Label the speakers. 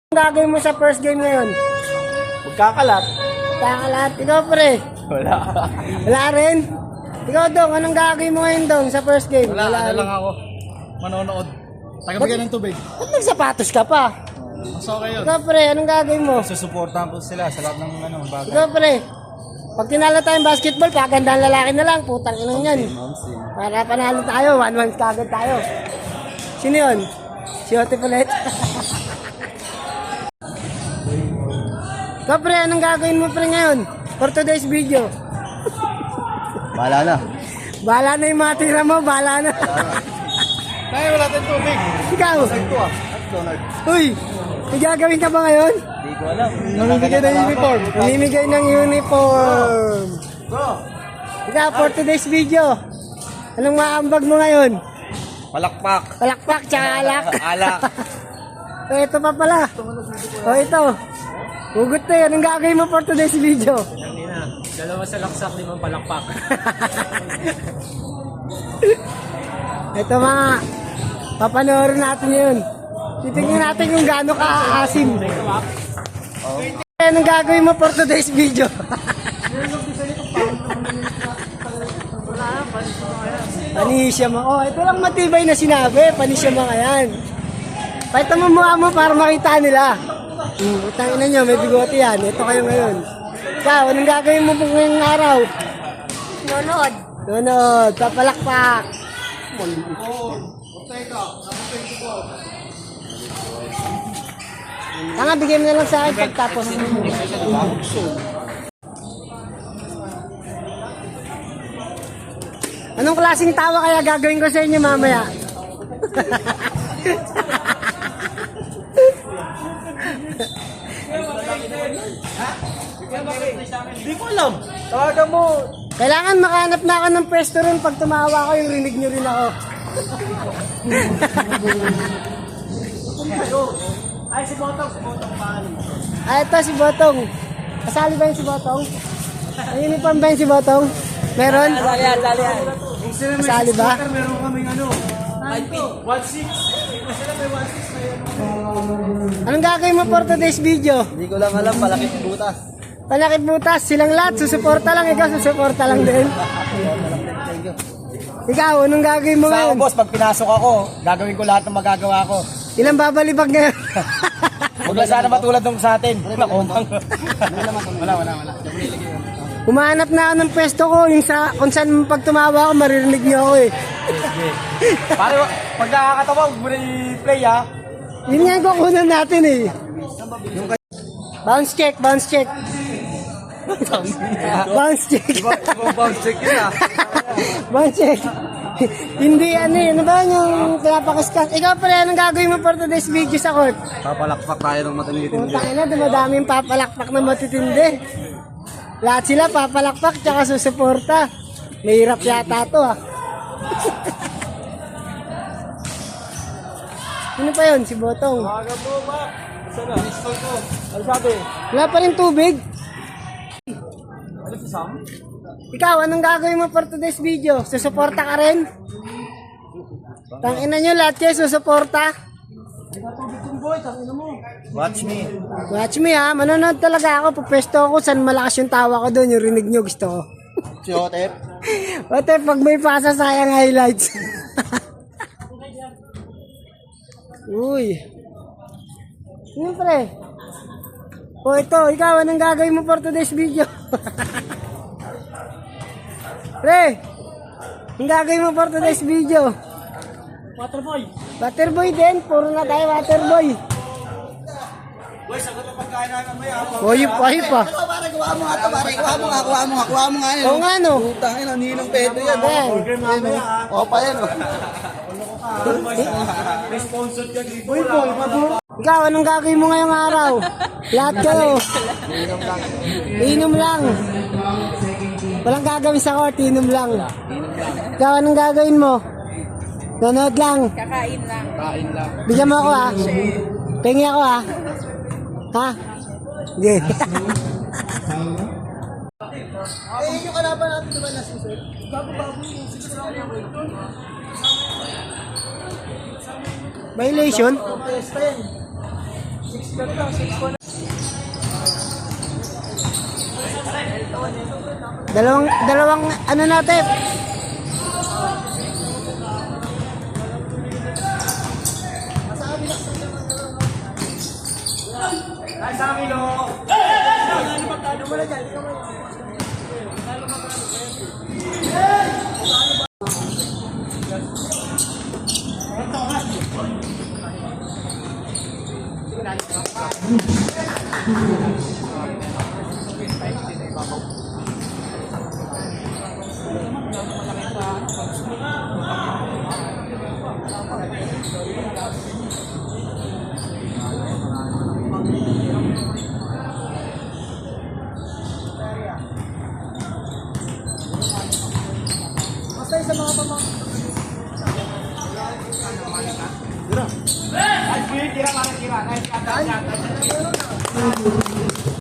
Speaker 1: Anong gagawin mo sa first game ngayon?
Speaker 2: Magkakalat.
Speaker 1: Kakalat. Ikaw pre.
Speaker 2: Wala.
Speaker 1: Wala rin. Ikaw Dong, anong gagawin mo ngayon Dong sa first game?
Speaker 2: Wala
Speaker 1: rin.
Speaker 2: lang ako. Manonood. Tagabigyan ng tubig.
Speaker 1: Ba't nagsapatos ka pa?
Speaker 2: Mas okay yun.
Speaker 1: Ikaw pre, anong gagawin mo?
Speaker 2: Susuportahan ko sila sa lahat ng bagay.
Speaker 1: Ikaw pre. Pag tinalo tayong basketball, pagandang lalaki na lang. Putang inang yan. Para panalo tayo, 1-1 kagad tayo. Sino yun? Si Ote Palet. Ikaw pre, anong gagawin mo pre ngayon? For today's video.
Speaker 2: Bahala na.
Speaker 1: Bahala na yung mga tira mo, bahala na.
Speaker 2: Tayo wala tayong tubig.
Speaker 1: Ikaw.
Speaker 2: Ito ah. Donald.
Speaker 1: Uy, may gagawin ka ba ngayon?
Speaker 2: Hindi ko alam.
Speaker 1: Namimigay ng uniform. Namimigay ng uniform.
Speaker 2: Bro.
Speaker 1: Ikaw, for today's video. Anong maambag mo ngayon?
Speaker 2: Palakpak.
Speaker 1: Palakpak, tsaka alak.
Speaker 2: Alak.
Speaker 1: Ito pa pala. Ito. Hugot na yun. Anong gagawin mo for today's video?
Speaker 2: Dalawa sa laksak, 5 palakpak.
Speaker 1: Ito mga, papanoorin natin yun. Titingnan natin kung gaano ka-aasim. Anong gagawin mo for today's video? Panisya mo. Oh, ito lang matibay na sinabi. Panisya mo yan. Pakita mo mukha mo para makita nila. Utangin na nyo, may bigote yan. Ito kayo ngayon. Ikaw, anong gagawin mo po ngayong araw?
Speaker 3: Nonod.
Speaker 1: Nonod, papalakpak. Tanga, bigyan mo na lang sa akin pagtapos. Anong klaseng tawa kaya gagawin ko sa inyo mamaya?
Speaker 2: Hindi ko alam. Tawagan mo.
Speaker 1: Kailangan makahanap na ako ng pwesto rin. Pag tumawa ko, yung rinig nyo rin ako.
Speaker 2: Ay, si Botong. Si Botong paano mo?
Speaker 1: Ah, ito si Botong. Kasali ba yung si Botong? Ang uniform ba yung si Botong? Meron? Kasali ba?
Speaker 2: Meron kaming ano. 1-6. Sila may 1-6 na yan.
Speaker 1: Anong gagawin mo for today's video?
Speaker 2: Hindi ko lang alam. Palakit butas.
Speaker 1: Palakit butas, silang lahat, susuporta lang, ikaw susuporta lang din. Ikaw, anong gagawin mo
Speaker 2: Sa ako,
Speaker 1: ngayon?
Speaker 2: boss, pag pinasok ako, gagawin ko lahat ng magagawa ko.
Speaker 1: Ilang babalibag ngayon?
Speaker 2: Huwag lang sana matulad nung sa atin. Nakumpang. Wala.
Speaker 1: Humahanap na ako ng pwesto ko, yung sa, kung saan pag tumawa ako, maririnig niyo ako eh.
Speaker 2: Para pag nakakatawa, huwag mo na i-play ha.
Speaker 1: Yun nga yung kukunan natin eh. Bounce check, bounce check. Bounce check.
Speaker 2: Ibang bounce check yun ha.
Speaker 1: Bounce check. Hindi ano eh, ano ba yung pinapakaskas? Ikaw pala, anong gagawin mo for today's video sa court?
Speaker 2: Papalakpak tayo ng matanggitin
Speaker 1: Puta na, dumadaming papalakpak na matitindi. Lahat sila papalakpak tsaka susuporta. Mahirap yata to ah. Sino pa yun? Si Botong.
Speaker 2: Tawagan mo, Mac. Saan na? Install ko. Ano sabi?
Speaker 1: Wala pa rin tubig.
Speaker 2: Ano si Sam?
Speaker 1: Ikaw, anong gagawin mo for today's video? Susuporta ka rin? Tangina nyo lahat kayo susuporta?
Speaker 2: Watch me.
Speaker 1: Watch me ha, manonood talaga ako. Pupwesto ako saan malakas yung tawa ko doon, yung rinig nyo gusto ko.
Speaker 2: Si Otep.
Speaker 1: Ote, pag may pasa sayang highlights. Uy. Siyempre. O ito, ikaw, anong gagawin mo for today's video? Pre, anong gagawin mo for today's video?
Speaker 2: Waterboy.
Speaker 1: Waterboy din, puro na tayo waterboy.
Speaker 2: Boy, sagot ang pagkain namin mamaya.
Speaker 1: Oyip pa.
Speaker 2: Pare, gawa mo nga ito, pare. Gawa mo nga.
Speaker 1: Oo nga no.
Speaker 2: Putang ina, ninong pedo yan.
Speaker 1: Ayan.
Speaker 2: O, pa yan.
Speaker 1: Ikaw, anong gagawin mo ngayong araw? Lahat kayo. Inom lang. Walang gagawin sa court, inom lang. Ikaw, anong gagawin mo? Nanood lang.
Speaker 3: Kakain lang.
Speaker 1: Bigyan mo ako ha. Pengi ako ha. Ha? Sige.
Speaker 2: Yung kalaban natin diba na susunod? Bago-bago yung
Speaker 1: Violation?
Speaker 2: Pesta yan.
Speaker 1: Dalawang ano natin?
Speaker 2: Kira, kira.